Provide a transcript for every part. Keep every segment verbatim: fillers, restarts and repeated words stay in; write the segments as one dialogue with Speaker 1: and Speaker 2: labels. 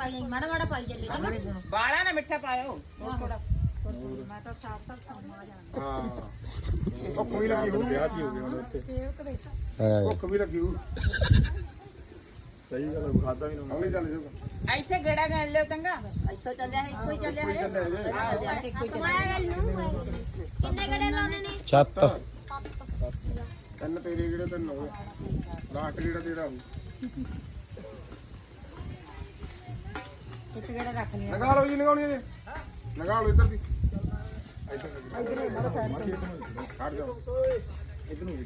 Speaker 1: ਪਾਈ ਮਾੜਾ ਮਾੜਾ ਪਾਈ ਚੱਲੇ
Speaker 2: ਬਾਲਾ ਨਾ ਮਿੱਠਾ ਪਾਇਓ ਥੋੜਾ
Speaker 1: ਮੈਂ ਤਾਂ ਸਾਫ ਤੱਕ ਸਮਾ ਜਾਣਾ
Speaker 3: ਹਾਂ ਭੁੱਖ ਵੀ ਲੱਗੀ ਹੋ ਵਿਆਹ ਕੀ ਹੋ ਗਿਆ ਹੁਣ ਉੱਥੇ ਭੁੱਖ ਵੀ ਲੱਗੀ ਹੋ ਸਹੀ ਗੱਲ ਖਾਦਾ ਵੀ ਨਾ ਹੌਲੀ ਚੱਲ ਜਾਊਗਾ
Speaker 2: ਇੱਥੇ ਗੇੜਾ ਗਣ ਲਿਓ ਚੰਗਾ
Speaker 1: ਇੱਥੋਂ ਚੱਲਿਆ ਹੈ ਇੱਕੋ ਹੀ ਚੱਲਿਆ ਹੈ
Speaker 4: ਕਿੰਨੇ ਗੜੇ ਲਾਉਣੇ ਨੇ
Speaker 5: ਛੱਤ
Speaker 3: ਤਿੰਨ ਤੇਰੇ ਜਿਹੜੇ ਤਿੰਨ ਹੋ ਲਾਸਟ ਜਿਹੜਾ ਤੇਰਾ ਹੋ
Speaker 1: ਇੱਕ ਗੇੜਾ ਰੱਖ ਲਿਆ
Speaker 3: ਲਗਾ ਲਓ ਜੀ ਲਗਾਉਣੀ ਹੈ ਲਗਾ ਲਓ ਇੱਧਰ ਦੀ ਇੱਧਰ ਕੱਢ ਜਾਓ ਇੱਧਰ ਨੂੰ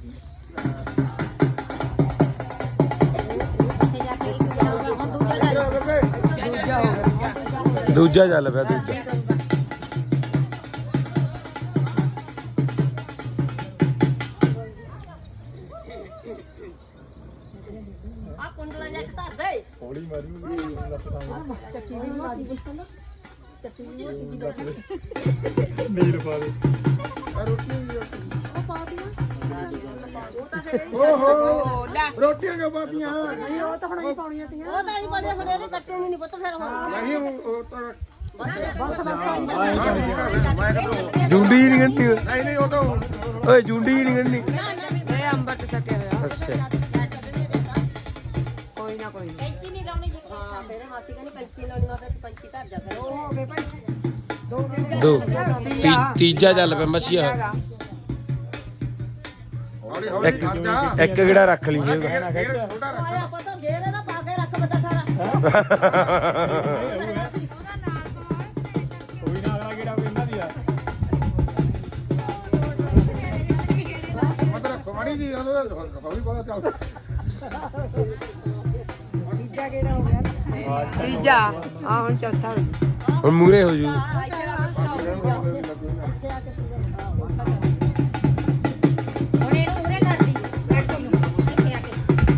Speaker 1: ਉੱਥੇ ਜਾ ਕੇ ਇੱਕ ਗੇੜਾ ਹੁਣ ਦੂਜਾ ਲੈ ਲਓ
Speaker 5: ਦੂਜਾ ਚੱਲ ਪਿਆ ਦੂਜਾ
Speaker 1: ਆ ਕੁੰਡਲਾ ਜਾ ਕੇ ਧਰ ਦੇ
Speaker 3: ਹੌਲੀ ਮਾਰੀ
Speaker 1: ਚੱਕੀ ਵੀ ਮਾਰੀ ਚੱਕੀ
Speaker 3: ਨੀਰ ਪਾ ਦੇ ਆ ਰੋਟੀ
Speaker 1: ਉਹ ਪਾ ਦਿਆ ਉਹ ਤਾਂ ਫਿਰ
Speaker 3: ਓਹੋ ਰੋਟੀਆਂ ਕਿਉਂ ਪਾਤੀਆਂ
Speaker 1: ਨਹੀਂ ਉਹ ਤਾਂ ਹੁਣ ਹੀ ਪਾਉਣੀਆਂ ਤੀਆਂ ਉਹ ਤਾਂ ਹੀ ਬੜੇ ਫੜੇ ਇਹਦੇ ਕੱਟੇ ਨਹੀਂ ਪੁੱਤ ਫਿਰ ਹੁਣ
Speaker 3: ਨਹੀਂ ਉਹ ਤਾਂ
Speaker 5: ਜੁੰਡੀ ਨਹੀਂ ਗੰਢੀ
Speaker 3: ਨਹੀਂ ਨਹੀਂ ਉਹ ਤਾਂ
Speaker 5: ਓਏ ਜੁੰਡੀ ਨਹੀਂ ਗੰਢੀ
Speaker 2: ਇਹ ਅੰਬਰ ਸੱਟਿਆ ਹੋਇਆ
Speaker 5: ਅੱਛਾ
Speaker 2: ਕੋਈ ਨਾ ਕੋਈ
Speaker 1: ਕੈਂਚੀ ਨਹੀਂ ਲਾਉਣੀ ਹਾਂ ਫਿਰ ਮਾਸੀ ਕਹਿੰਦੀ ਕੈਂਚੀ ਲਾਉਣੀ ਮੈਂ ਫਿਰ ਕੈਂਚੀ ਧਰ ਜਾ ਫਿਰ ਉਹ ਹੋ ਗਏ ਭਾਈ ਦੋ
Speaker 5: ਦੋ ਤੀ- ਤੀਜਾ ਚੱਲ ਪਿਆ ਮਸੀਆ
Speaker 3: ਹੌਲੀ ਹੌਲੀ ਖੜ ਜਾ
Speaker 5: ਇੱਕ ਕਿਹੜਾ ਰੱਖ ਲਈ ਜੇਬ
Speaker 3: ਛੋਟਾ ਰੱਖ
Speaker 1: ਆਇਆ ਪਤਾ ਗੇਰ ਇਹਦਾ ਪਾ ਕੇ ਰੱਖ ਵੱਡਾ ਸਾਰਾ
Speaker 3: ਕੋਈ ਨਾ ਅਗਲਾ ਕਿਹੜਾ ਪੈਂਦਾ ਦੀ ਆ ਮਤਲਬ ਕਮਾੜੀ ਜੀ ਹੌਲੀ ਪਤਾ ਚੱਲ
Speaker 1: ਤੀਜਾ ਕਿਹੜਾ ਹੋ ਗਿਆ
Speaker 2: ਤੀਜਾ ਆ ਹੁਣ ਚੌਥਾ
Speaker 5: ਹੁਣ ਮੂਰੇ ਹੋ ਜੂ
Speaker 1: ਹੁਣ ਇਹਨੂੰ ਉਰੇ ਕਰ ਦੀ ਬੈਠੋ ਇੱਥੇ ਆ ਕੇ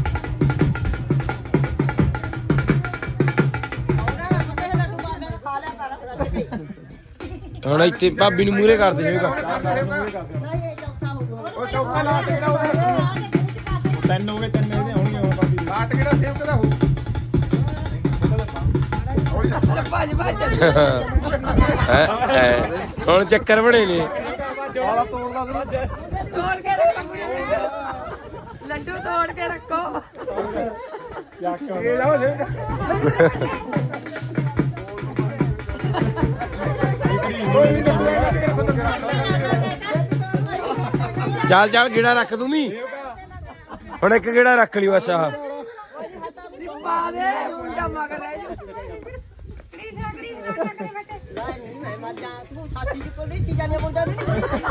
Speaker 1: ਉਹਨਾਂ ਦਾ ਪਤਾ ਹੈ ਲੱਡੂ ਬਾਬੇ ਦਾ ਖਾ ਲਿਆ ਕਰ ਰੱਜ ਕੇ
Speaker 5: ਹੁਣ ਇੱਥੇ ਭਾਬੀ ਨੂੰ ਮੂਰੇ ਕਰ ਦੇ ਜੇਗਾ
Speaker 1: ਨਹੀਂ ਇਹ ਚੌਥਾ ਹੋ ਗਿਆ
Speaker 3: ਉਹ ਚੌਥਾ ਲਾਟ ਕਿਹੜਾ ਹੋਇਆ ਤਿੰਨ ਹੋ ਗਏ ਤਿੰਨ ਇਹਦੇ ਹੋਣਗੇ ਹੁਣ ਬਾਕੀ ਲਾਟ ਕਿਹੜਾ ਸੇਵ ਕਿਹਦਾ ਹੋ ਹੌਲੀ ਜਾ
Speaker 2: ਭੱਜ ਭੱਜ
Speaker 5: ਹੈਂ, ਹੈਂ। ਹੁਣ ਚੱਕਰ ਬਣੇ ਨੇ
Speaker 3: ਵਾਲਾ ਤੋੜਦਾ ਤੂੰ
Speaker 2: ਤੋੜ ਕੇ ਰੱਖੋ ਲੱਡੂ ਤੋੜ ਕੇ ਰੱਖੋ
Speaker 3: ਇਹ ਜਾਓ ਸੇਵ
Speaker 5: ਚੱਲ ਚੱਲ ਗੇੜਾ ਰੱਖ ਤੂੰ ਵੀ ਹੁਣ ਇੱਕ ਗੇੜਾ ਰੱਖ ਲਈ ਬਸ ਆਹ
Speaker 2: ਪਾ ਦੇ ਮੁੰਡਾ ਮਗਰ ਰਹਿ ਜਾ
Speaker 1: ਨਹੀਂ ਮੈਂ ਮਰ ਜਾ ਤੂੰ ਸਾਥੀ ਜੀ ਕੋਲ ਨਹੀਂ ਚੀਜ਼ਾਂ ਨੇ ਮੁੰਡਾ ਨਹੀਂ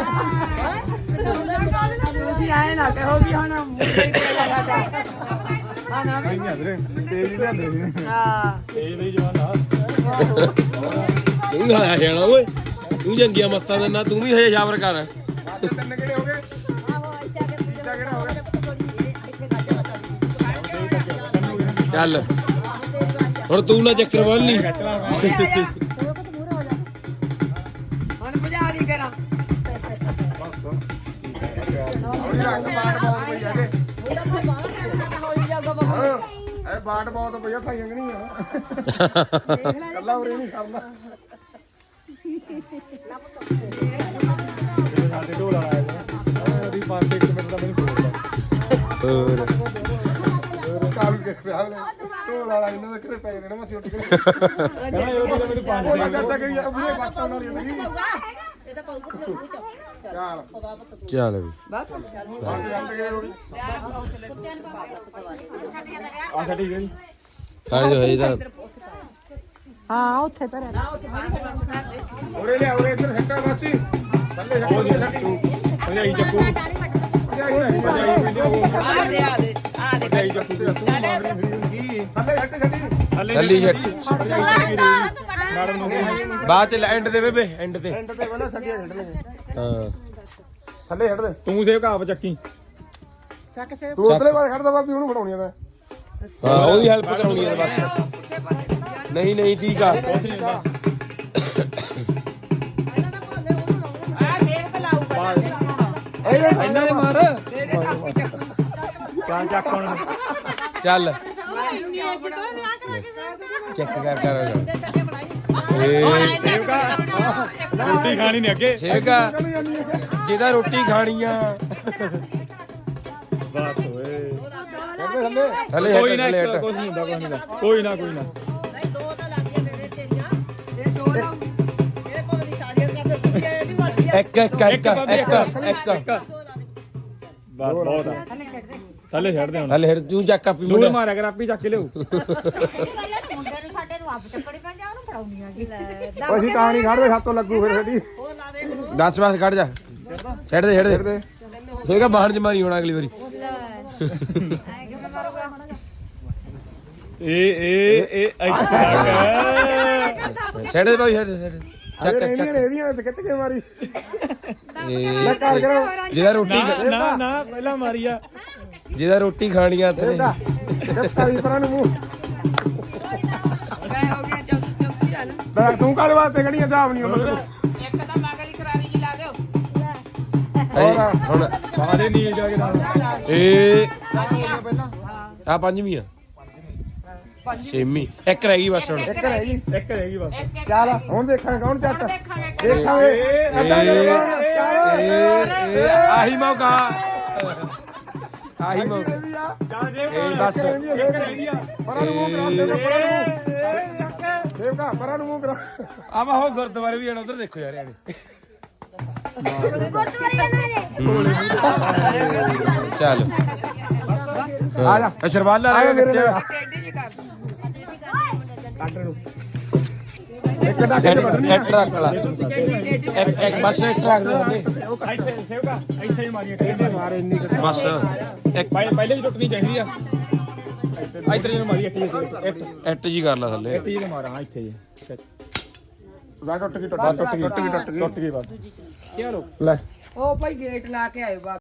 Speaker 2: ਤੁਸੀਂ ਆਏ ਨਾ ਕਹੋ ਵੀ ਹੁਣ ਮੁੰਡੇ ਹੀ ਕੋਲ ਸਾਡਾ ਹਾਂ ਨਾ ਵੀ
Speaker 3: ਤੇਜ਼ ਲਿਆਂਦੇ ਸੀ
Speaker 2: ਹਾਂ
Speaker 3: ਤੇਜ਼ ਲਈ ਜਵਾਨ ਆ
Speaker 5: ਤੂੰ ਆਇਆ ਜਾਣਾ ਓਏ ਤੂੰ ਜੰਗੀਆਂ ਮੱਤਾਂ ਦੇ ਨਾਲ ਤੂੰ ਵੀ ਹਜੇ ਜਾਬਰ ਕਰ
Speaker 3: ਤਿੰਨ ਕਿਹੜੇ ਹੋ ਗਏ
Speaker 1: ਆਹੋ ਇੱਥੇ ਆ ਕੇ ਪੂਜਾ ਕਿਹੜਾ ਹੋ ਗਿਆ ਥੋੜੀ ਇੱਥੇ ਗੱਡੇ ਬਤਾ ਦੀ
Speaker 5: ਚੱਲ ਹੁਣ ਤੂੰ ਨਾ ਚੱਕਰ ਬੰਨ ਲਈ
Speaker 2: ਹੁਣ ਭਜਾ ਦੀ ਕਰਾਂ
Speaker 3: ਬਸ ਹੌਲੀ ਰੱਖ ਬਾਟ ਬਹੁਤ ਪਈ ਹੈਗੇ
Speaker 1: ਮੁੰਡਾ ਭਾਈ ਬਾਹਰ ਕਰਦਾ ਹੋਈ ਜਾਊਗਾ ਬਾਬਾ
Speaker 3: ਇਹ ਬਾਟ ਬਹੁਤ ਪਈ ਆ ਖਾਈਆਂ ਕਿ ਨਹੀਂ ਆ ਕੱਲਾ ਉਰੇ ਨਹੀਂ ਕਰਨਾ ਸਾਡੇ ਢੋਲ ਵਾਲਾ ਆਇਆ ਉਹਦੀ ਪੰਜ ਛੇ ਮਿੰਟ ਦਾ ਮੈਨੂੰ ਬੋਲਦਾ
Speaker 5: ਹੋਰ
Speaker 3: ਕਾਲ ਕੇ ਵਿਆਹ ਲੈ ਢੋਲ ਵਾਲਾ ਇਹਨਾਂ ਦੇ ਕਿਤੇ ਪੈ ਜਾਣਾ ਮੈਂ ਛੁੱਟ ਕੇ ਕਹਿੰਦਾ ਇਹ ਤਾਂ ਮੈਨੂੰ ਪੰਜ ਛੇ ਚਾਚਾ ਕਰੀ ਉਹਨੇ ਬਾਤਾਂ ਨਾਲ ਹੀ
Speaker 1: ਇਹ ਤਾਂ ਪਾਉਗਾ ਫਿਰ ਉਹ ਚੱਲ
Speaker 3: ਚੱਲ
Speaker 1: ਬਾਬਾ ਪੁੱਤ
Speaker 5: ਚੱਲ ਵੀ
Speaker 2: ਬਸ
Speaker 3: ਪੰਜ ਜੰਟ ਗਏ ਹੋ ਗਏ ਆ ਛੱਡੀ ਗਈ
Speaker 5: ਕਾਹ ਜੋ ਹੈ ਤਾਂ
Speaker 2: ਹਾਂ ਉੱਥੇ ਤਾਂ
Speaker 3: ਉਰੇ ਲਿਆ ਉਰੇ ਇੱਧਰ ਹੱਟਾ ਮਾਸੀ ਥੱਲੇ ਛੱਡੋ ਛੱਡੀ ਭਜਾਈ ਚੱਕੂ ਭਜਾਈ
Speaker 2: ਆ ਦੇ ਆ ਦੇ ਆ ਦੇ
Speaker 3: ਭਜਾਈ ਚੱਕੂ ਤੇ ਤੂੰ ਮਾਰਨੀ ਵੀ ਥੱਲੇ ਛੱਡੀ ਛੱਡੀ
Speaker 5: ਥੱਲੀ ਛੱਡ
Speaker 3: ਮੈਡਮ ਨੂੰ
Speaker 5: ਬਾਅਦ ਚ ਐਂਡ ਦੇ ਬੇਬੇ ਐਂਡ ਤੇ
Speaker 3: ਐਂਡ ਤੇ ਬਣਾ ਛੱਡੀਆਂ ਛੱਡਣੇ
Speaker 5: ਹਾਂ
Speaker 3: ਥੱਲੇ ਛੱਡ ਦੇ
Speaker 6: ਤੂੰ ਸੇਵ ਕਾਪ ਚੱਕੀ
Speaker 2: ਚੱਕ ਸੇ
Speaker 3: ਤੂੰ ਉਤਲੇ ਪਾਸੇ ਖੜਦਾ ਬਾਬੀ ਉਹਨੂੰ ਫੜਾਉਣੀ ਆ ਤਾਂ
Speaker 5: ਹਾਂ ਉਹਦੀ ਹੈਲਪ ਕਰਾਉਣੀ ਹੈ ਬਸ ਨਹੀਂ ਨਹੀਂ ਠੀਕ ਆ
Speaker 2: ਆ ਸੇਵ ਕਲਾਊਗਾ
Speaker 6: ਇਹਨਾਂ ਨੇ ਮਾਰ
Speaker 2: ਤੇਰੇ ਕਾਪੀ ਚੱਕ
Speaker 6: ਕਿਆ ਚੱਕ ਹੁਣ
Speaker 5: ਚੱਲ
Speaker 2: ਵਿਆਹ ਕਰਾ ਕੇ
Speaker 5: ਚੈੱਕ ਕਰ ਕਰ
Speaker 1: ਦੇ ਸੱਟੇ ਬਣਾਈ
Speaker 5: ਏ
Speaker 6: ਸੇਵਕਾ ਰੋਟੀ ਖਾਣੀ ਨਹੀਂ ਅੱਗੇ
Speaker 5: ਸੇਵਕਾ ਜਿਹਦਾ ਰੋਟੀ ਖਾਣੀ ਆ
Speaker 6: ਬਸ ਓਏ
Speaker 3: ਥੱਲੇ
Speaker 5: ਥੱਲੇ
Speaker 6: ਕੋਈ ਨਾ
Speaker 5: ਹਟ
Speaker 6: ਕੁਝ ਨਹੀਂ ਹੁੰਦਾ ਕੁਝ ਨਹੀਂ ਹੁੰਦਾ ਕੋਈ ਨਾ ਕੋਈ ਨਾ
Speaker 1: ਨਹੀਂ ਦੋ ਤਾਂ ਲੱਗੀਆਂ ਮੇਰੇ ਤੇਰੀਆਂ
Speaker 2: ਇਹ ਦੋ ਦਾ
Speaker 1: ਇਹ ਭਾਵੇਂ ਦੀ ਸਾਰੀਆਂ ਕਰ ਦੇ ਪਿੱਛੇ ਇਹਦੀ ਮਰਜ਼ੀ ਆ
Speaker 5: ਇੱਕ ਇੱਕ ਇੱਕ ਇੱਕ ਇੱਕ
Speaker 6: ਬਸ ਬਹੁਤ ਆ ਥੱਲੇ ਛੱਡ ਦੇ ਹੁਣ
Speaker 5: ਥੱਲੇ ਹਟ ਤੂੰ ਚੱਕ ਆਪੀ
Speaker 6: ਦੂਰ
Speaker 5: ਮੁੰਡਾ
Speaker 6: ਮਾਰਿਆ ਕਰ ਆਪੀ ਚੱਕ ਕੇ ਲਿਓ
Speaker 4: ਮੁੰਡੇ ਨੂੰ ਸਾਡੇ ਨੂੰ ਆਪ ਚੱਕੜੀ ਪੈਂਦੀ ਆ ਉਹਨੂੰ ਫੜਾਉਣੀ ਆ
Speaker 3: ਓਏ ਅਸੀਂ ਤਾਂ ਨਹੀਂ ਖੜਦੇ ਸਾਤੋਂ ਲੱਗੂ ਫਿਰ ਸਾਡੀ
Speaker 1: ਹੋਰ ਲਾ ਦੇ ਇਹਨੂੰ।
Speaker 5: ਦਸ ਬਸ ਕੱਢ ਜਾ ਛੱਡ ਦੇ ਛੱਡ
Speaker 3: ਫਿਰ
Speaker 5: ਦੇ
Speaker 3: ਦੇ
Speaker 5: ਸੇਗਾ ਬਾਹਰ ਚ ਮਾਰੀ ਹੋਣਾ ਅਗਲੀ ਵਾਰੀ
Speaker 6: ਇਹ ਇਹ ਇਹ ਇੱਥੇ
Speaker 5: ਛੱਡ ਦੇ ਭਾਈ ਛੱਡ ਦੇ, ਛੱਡ ਦੇ।
Speaker 3: ਅਰੇ
Speaker 5: ਚੱਕ
Speaker 3: ਇਹਦੀਆਂ
Speaker 5: ਚੱਕ
Speaker 3: ਨੇ ਇਹਦੀਆਂ ਤੇ ਖਿੱਚ ਕੇ ਮਾਰੀ
Speaker 5: ਇਹ
Speaker 3: ਲੈ ਕਰ ਕਰੋ
Speaker 5: ਜਿਹਦਾ ਰੋਟੀ
Speaker 6: ਨਾ ਨਾ ਨਾ ਪਹਿਲਾਂ ਮਾਰੀ ਆ
Speaker 5: ਜਿਹਦਾ ਰੋਟੀ ਖਾਣੀ ਆ ਹੱਥ ਨੇ
Speaker 3: ਇਹਦਾ ਦਿੱਤਾ ਵੀ ਪਰਾਂ ਨੂੰ ਮੂੰਹ
Speaker 2: ਗਏ ਹੋ ਗਿਆ ਚੌਥੀ ਚੌਥੀ ਆ ਨਾ
Speaker 3: ਲੈ ਤੂੰ ਕਾਹਦੇ ਵਾਸਤੇ ਕੜੀਆਂ ਜਾਬ ਨਹੀਂ ਮਤਲਬ
Speaker 2: ਇੱਕ ਤਾਂ ਮਗਲੀ ਕਰਾਰੀ ਜੀ ਲਾ ਦਿਓ
Speaker 5: ਇਹ ਹੁਣ
Speaker 6: ਸਾਰੇ ਨੀਲ ਜਾ ਕੇ ਨਾਲ
Speaker 5: ਇਹ ਆ ਪੰਜਵੀਂ ਆ ਛੇਵੀਂ ਇੱਕ ਰਹਿ ਗਈ ਬਸ ਹੁਣ
Speaker 3: ਇੱਕ ਰਹਿ ਗਈ
Speaker 6: ਇੱਕ ਰਹਿ ਗਈ ਬਸ
Speaker 3: ਚੱਲ ਹੁਣ ਦੇਖਾਂਗੇ ਕੌਣ ਚੱਟ
Speaker 2: ਦੇਖਾਂਗੇ
Speaker 3: ਦੇਖਾਂਗੇ
Speaker 5: ਇਹ
Speaker 3: ਅੱਧਾ ਕਰੋ ਕੌਣ? ਚੱਲ
Speaker 5: ਇਹ ਇਹ ਆਹੀ ਮੌਕਾ ਆਹੀ ਮੌਕਾ
Speaker 3: ਇਹਦੀ ਆ
Speaker 6: ਚੱਲ ਜੇ
Speaker 5: ਇਹ ਬਸ
Speaker 6: ਇੱਕ ਰਹਿ ਗਈ ਆ
Speaker 3: ਪਰਾਂ ਨੂੰ ਮੂੰਹ ਕਰਾ ਦੇ ਪਰਾਂ ਨੂੰ ਦੇਵਕਾ ਪਰਾਂ ਨੂੰ ਮੂੰਹ ਕਰਾ
Speaker 5: ਆਵਾ ਹੋ ਗੁਰਦੁਆਰੇ ਵੀ ਜਾਣਾ ਉਧਰ ਦੇਖੋ ਯਾਰ ਇਹਨੇ
Speaker 4: ਗੁਰਦੁਆਰੇ ਜਾਣਾ ਜੇ
Speaker 5: ਚੱਲ
Speaker 3: ਆ ਜਾ
Speaker 5: ਅਸ਼ਰਵਾਲਾ
Speaker 3: ਆ ਜਾ
Speaker 5: ਰਹਿ
Speaker 3: ਮੇਰੇ
Speaker 5: ਗਿਆ
Speaker 3: ਨਾਲ
Speaker 2: ਟੇਢੀ ਜੀ ਕਰ
Speaker 3: ਕੱਟ ਨੂੰ ਇੱਕ ਡਾਕੇ ਤੇ ਵੱਢਣੀ
Speaker 5: ਇੱਕ ਰੱਖ ਲਾ
Speaker 2: ਟੇਢੀ ਟੇਢੀ
Speaker 5: ਇੱਕ ਇੱਕ ਬਸ ਇੱਕ ਰੱਖ ਲਾ
Speaker 6: ਇੱਥੇ ਸੇਵਕਾ ਇੱਥੇ ਹੀ ਮਾਰੀਆਂ ਕਿਹਦੇ
Speaker 3: ਮਾਰੇ ਇੰਨੀ ਕੁ-
Speaker 5: ਬਸ ਇੱਕ
Speaker 6: ਪਹਿਲੇ ਹੀ ਟੁੱਟਣੀ ਚਾਹੀਦੀ ਆ ਇੱਧਰ ਜਿਹਨੂੰ ਮਾਰੀ ਇੱਥੇ ਇੱਥੇ
Speaker 5: ਇੱਟ ਜੀ ਕਰ ਲਾ ਥੱਲੇ
Speaker 6: ਇੱਥੇ ਜਿਹਨੂੰ ਮਾਰਾਂ ਇੱਥੇ ਜੀ
Speaker 3: ਵਾ ਟੁੱਟ ਗਈ ਟੁੱਟ ਗਈ ਟੁੱਟ ਗਈ ਟੁੱਟ ਗਈ
Speaker 6: ਟੁੱਟ ਗਈ ਬਸ
Speaker 3: ਲੈ
Speaker 2: ਉਹ ਭਾਈ ਗੇਟ ਲਾ ਕੇ ਆਇਓ ਬਾ